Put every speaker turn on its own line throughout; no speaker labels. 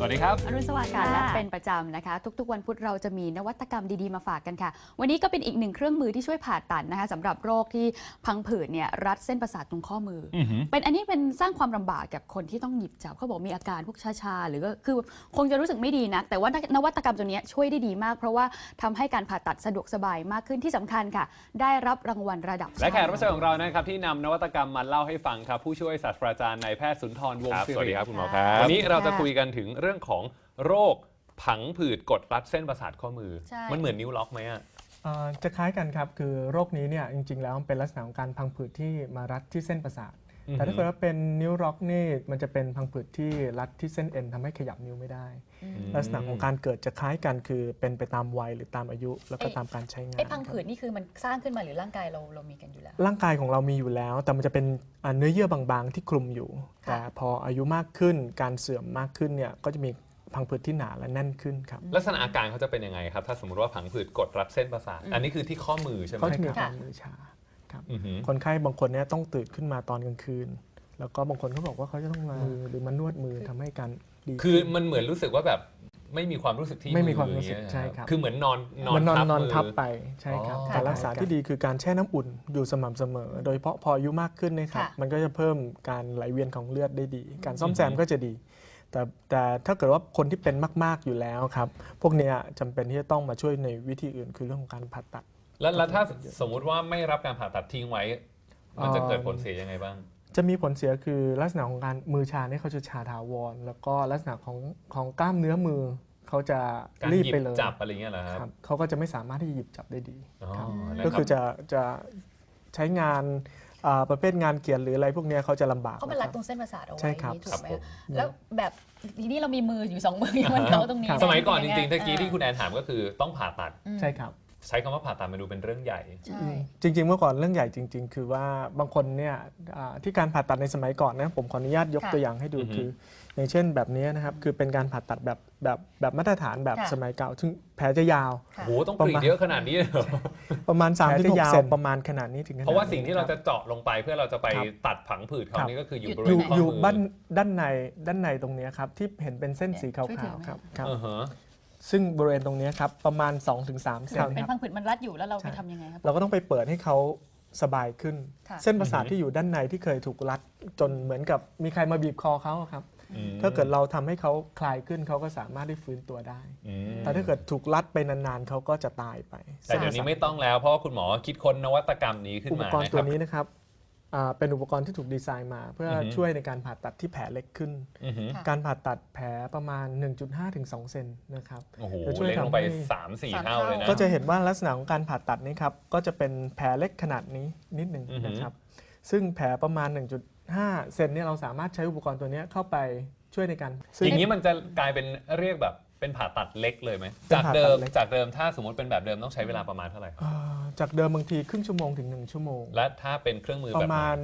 วัสดีครับ
อรุณสวัสดิ์ค่ะและเป็นประจำนะคะทุกๆวันพุธเราจะมีนวัตกรรมดีๆมาฝากกันค่ะวันนี้ก็เป็นอีกหนึ่งเครื่องมือที่ช่วยผ่าตัดนะคะสำหรับโรคที่พังผืดเนี่ยรัดเส้นประสาทตรงข้อมือเป็นอันนี้เป็นสร้างความลำบากกับคนที่ต้องหยิบจับเขาบอกมีอาการพวกชาๆหรือก็คือคงจะรู้สึกไม่ดีนะแต่ว่านวัตกรรมตัวนี้ช่วยได้ดีมากเพราะว่าทำให้การผ่าตัดสะดวกสบายมากขึ้นที่สำคัญค่ะได้รับรางวัลระดับ
และแขกรับเชิญของเรานะครับที่นำนวัตกรรมมาเล่าให้ฟังครับผู้ช่วยศาสตราจารย์นายแพทย์สุนทรวงศ์ศิริสวัสดีครับคุณหมอครับวันนี้เราจะคุยกันถึงเรื่องของโรคผังผืดกดรัดเส้นประสาทข้อมือมันเหมือนนิ้วล็อกไหมอ่ะ
จะคล้ายกันครับคือโรคนี้เนี่ยจริงๆแล้วมันเป็นลักษณะของการพังผืดที่มารัดที่เส้นประสาทแต่ถ้าเกิดว่าเป็นนิ้วล็อกนี่มันจะเป็นพังผืดที่รัดที่เส้นเอ็นทำให้ขยับนิ้วไม่ได้ลักษณะของการเกิดจะคล้ายกันคือเป็นไปตามวัยหรือตามอายุแล้วก็ตามการใช้งาน
พังผืดนี่คือมันสร้างขึ้นมาหรือร่างกายเรามีกันอยู่แล้ว
ร่างกายของเรามีอยู่แล้วแต่มันจะเป็นเนื้อเยื่อบางๆที่คลุมอยู่แต่พออายุมากขึ้นการเสื่อมมากขึ้นเนี่ยก็จะมีพังผืดที่หนาและแน่นขึ้นครับ
ลักษณะอาการเขาจะเป็นยังไงครับถ้าสมมติว่าผังผืดกดรัดเส้นประสาทอันนี้คือที่ข้อมือใช่ไหม
เขาจะมีอาการมือชาครับคนไข้บางคนเนี่ยต้องตื่นขึ้นมาตอนกลางคืนแล้วก็บางคนเขาบอกว่าเขาจะต้องมาหรือมานวดมือทำให้การดี
คือมันเหมือนรู้สึกว่าแบบไม่มีความรู้สึกที่
ไม่มีความรู้สึกใช่ครับ
คือเหมือนนอน
ทับไปใช่ครับการรักษาที่ดีคือการแช่น้ำอุ่นอยู่สม่ำเสมอโดยเฉพาะพออายุมากขึ้นนะครับมันก็จะเพิ่มการไหลเวียนของเลือดได้ดีการซ่อมแซมก็จะดีแต่ถ้าเกิดว่าคนที่เป็นมากๆอยู่แล้วครับพวกนี้จำเป็นที่จะต้องมาช่วยในวิธีอื่นคือเรื่องของการผ่าตัด
แล้วถ้าสมมุติว่าไม่รับการผ่าตัดทิ้งไว้มันจะเกิดผลเสียยังไงบ้าง
จะมีผลเสียคือลักษณะของการมือชาเนี่ยเขาจะชาถาวรแล้วก็ลักษณะของกล้ามเนื้อมือเขาจะรีบไปเลย
จับอะไรเงี้ยเหรอครับ
เขาก็จะไม่สามารถที่จะหยิบจับได้ดีก็คือจะใช้งานประเภทงานเขียนหรืออะไรพวกนี้เขาจะลำบาก
เขาเป็นรัดตรงเส้นประสาทเอาไว้ถูกไหม
แล้ว
แบบทีนี้เรามีมืออยู่2มือมันเขาตรงนี้
สมัยก่อนจริงๆตะกี้ที่คุณแอนถามก็คือต้องผ่าตัด
ใช่ครับ
ใช้คำว่าผ่าตัดมาดูเป็นเรื่องใหญ่
จริงๆเมื่อก่อนเรื่องใหญ่จริงๆคือว่าบางคนเนี่ยที่การผ่าตัดในสมัยก่อนนะผมขออนุญาตยกตัวอย่างให้ดูคืออย่างเช่นแบบนี้นะครับคือเป็นการผ่าตัดแบบมาตรฐานแบบสมัยเก่าซึ่งแผลจะยาว
โอ้ต้องกรีดเยอะขนาดนี้
ประมาณ3-6 เซนประมาณขนาดนี้ถึง
เพราะว่าสิ่งที่เราจะเจาะลงไปเพื่อเราจะไปตัดผังผืดเขานี่ก็คืออยู่บริเวณข้อมือ
ด้านในตรงนี้ครับที่เห็นเป็นเส้นสีขาวๆครับซึ่งบริเวณตรงนี้ครับประมาณ 2-3 เซน
เป็นพังผืดมันรัดอยู่แล้วเราไปทำยังไงครับ
เราก็ต้องไปเปิดให้เขาสบายขึ้นเส้นประสาทที่อยู่ด้านในที่เคยถูกรัดจนเหมือนกับมีใครมาบีบคอเขาครับถ้าเกิดเราทำให้เขาคลายขึ้นเขาก็สามารถได้ฟื้นตัวได้แต่ถ้าเกิดถูกรัดไปนานๆเขาก็จะตายไป
แต่เดี๋ยวนี้ไม่ต้องแล้วเพราะคุณหมอคิดค้นนวัตกรรมนี้ขึ้นมา
อุปกรณ์ตัวนี้นะครับเป็นอุปกรณ์ที่ถูกดีไซน์มาเพื่อช่วยในการผ่าตัดที่แผลเล็กขึ้นการผ่าตัดแผลประมาณ 1.5 ถึง 2 เซนนะครับ
จะช่วยเล็กลงไป 3-4 เท่าเลยนะ
ก็จะเห็นว่าลักษณะของการผ่าตัดนี้ครับก็จะเป็นแผลเล็กขนาดนี้นิดหนึ่งนะครับซึ่งแผลประมาณ 1.5 เซนเนี่ยเราสามารถใช้อุปกรณ์ตัวนี้เข้าไปช่วยในการ
อย่างนี้มันจะกลายเป็นเรียกแบบเป็นผ่าตัดเล็กเลยไหมจากเดิมถ้าสมมติเป็นแบบเดิมต้องใช้เวลาประมาณเท่าไหร่
จากเดิมบางทีครึ่งชั่วโมงถึง1 ชั่วโมง
และถ้าเป็นเครื่องมือ
ประมาณ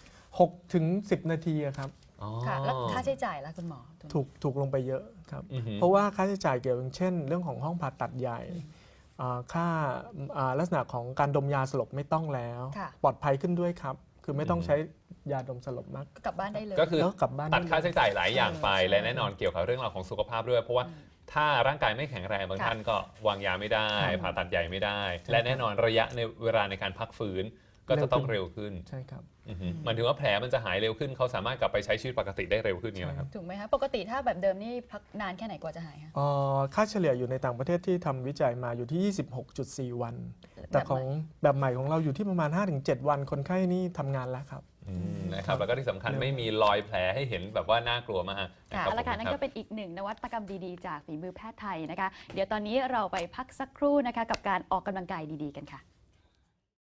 6 ถึง 10 นาทีครับ
ค่ะแล้วค่าใช้จ่ายล่ะคุณหมอ
ถูกลงไปเยอะครับเพราะว่าค่าใช้จ่ายเกี่ยวกับเช่นเรื่องของห้องผ่าตัดใหญ่ค่าลักษณะของการดมยาสลบไม่ต้องแล้วปลอดภัยขึ้นด้วยครับคือไม่ต้องใช้ยาดมสลบมาก
กลับบ้านได้เลย
ก็คือตัดค่าใช้จ่ายหลายอย่างไปและแน่นอนเกี่ยวกับเรื่องราวของสุขภาพด้วยเพราะว่าถ้าร่างกายไม่แข็งแรงบางท่านก็วางยาไม่ได้ผ่าตัดใหญ่ไม่ได้และแน่นอนระยะในเวลาในการพักฟื้นก็จะต้องเร็วขึ้น
ใช่ครับ
หมายถึงว่าแผลมันจะหายเร็วขึ้นเขาสามารถกลับไปใช้ชีวิตปกติได้เร็วขึ้นนี่แหละครับ
ถูกไหมครับปกติถ้าแบบเดิมนี่พักนานแค่ไหนกว่าจะหายคะ
ค่าเฉลี่ยอยู่ในต่างประเทศที่ทำวิจัยมาอยู่ที่ 26.4 วันแต่ของแบบใหม่ของเราอยู่ที่ประมาณ 5-7 วันคนไข้นี่ทำงานแล้วครับ
นะครับแล้วก็ที่สำคัญไม่มีรอยแผลให้เห็นแบบว่าน่ากลัวมาก
เอาละค่ะนั่นก็เป็นอีกหนึ่งนวัตกรรมดีๆจากฝีมือแพทย์ไทยนะคะเดี๋ยวตอนนี้เราไปพักสักครู่นะคะกับการออกกำลังกายดีๆกันค่ะ